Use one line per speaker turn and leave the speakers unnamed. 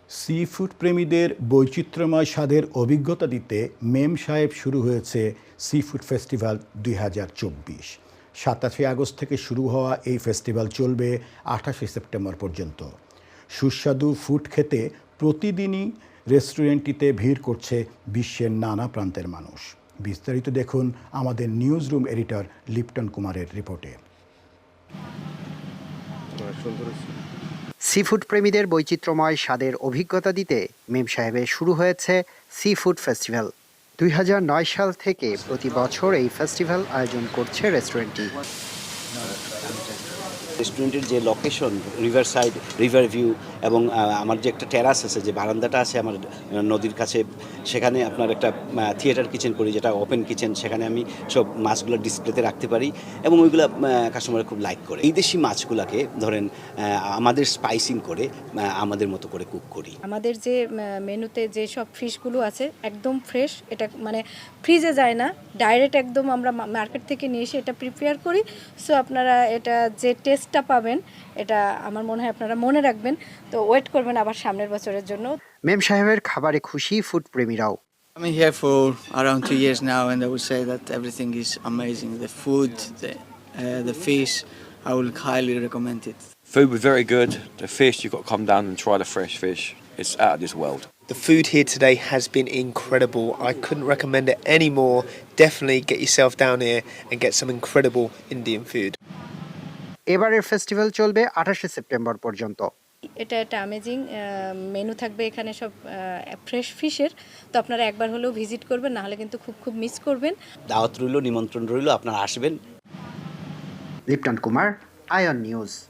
Sea food প্রেমীদের বৈচিত্র্যময় স্বাদের অভিজ্ঞতা দিতে মেম সাহেব শুরু হয়েছে সি ফুড ফেস্টিভ্যাল ২০২৪। ২৭শে আগস্ট থেকে শুরু হওয়া এই ফেস্টিভ্যাল চলবে ২৮শে সেপ্টেম্বর পর্যন্ত। সুস্বাদু ফুড খেতে প্রতিদিনই রেস্টুরেন্টটিতে ভিড় করছে বিশ্বের নানা প্রান্তের মানুষ। বিস্তারিত দেখুন আমাদের নিউজ রুম এডিটর লিপটন কুমারের রিপোর্টে।
সি ফুড প্রেমীদের বৈচিত্র্যময় স্বাদের অভিজ্ঞতা দিতে মেম সাহেবে শুরু হয়েছে সি ফুড ফেস্টিভ্যাল। ২০০৯ সাল থেকে প্রতি বছর এই ফেস্টিভ্যাল আয়োজন করছে রেস্টুরেন্টটি।
রেস্টুরেন্টের যে location, river side, river view এবং আমার যে একটা টেরাস আছে, যে বারান্দাটা আছে আমার নদীর কাছে, সেখানে আপনার একটা থিয়েটার কিচেন করি, যেটা ওপেন কিচেন। সেখানে আমি সব মাছগুলো ডিসপ্লেতে রাখতে পারি এবং ওইগুলো কাস্টমার খুব লাইক করে। এই দেশি মাছগুলোকে ধরেন আমাদের স্পাইসিং করে আমাদের মতো করে কুক করি।
আমাদের যে মেনুতে যে সব ফিশগুলো আছে একদম ফ্রেশ, এটা মানে ফ্রিজে যায় না, ডাইরেক্ট একদম আমরা মার্কেট থেকে নিয়ে এসে এটা প্রিপেয়ার করি। সো আপনারা এটা যে টেস্টটা পাবেন, এটা আমার মনে হয় আপনারা মনে রাখবেন। তো ওয়েট করবেন আবার সামনের বছরের জন্য।
মেম সাহেবের খাবারে খুশি ফুড প্রেমীরাও।
I'm here for around 2 years now, and I would say that everything is amazing. The food, the fish, I will highly recommend it.
Food was very good. The fish, you've got to come down and try the fresh fish. It's out of this world.
The food here today has been incredible. I couldn't recommend it any more. Definitely get yourself down here and get some incredible Indian food.
এবারের festival চলবে ২৮শে September পর্যন্ত।
এটা একটা amazing menu থাকবে এখানে, সব fresh ফিশের। তো আপনারা একবার হলেও ভিজিট করবেন, না হলে কিন্তু খুব মিস করবেন।
দাওয়াত রইল, নিমন্ত্রণ রইল, আপনারা আসবেন।
লিপটন কুমার, আয়ন নিউজ।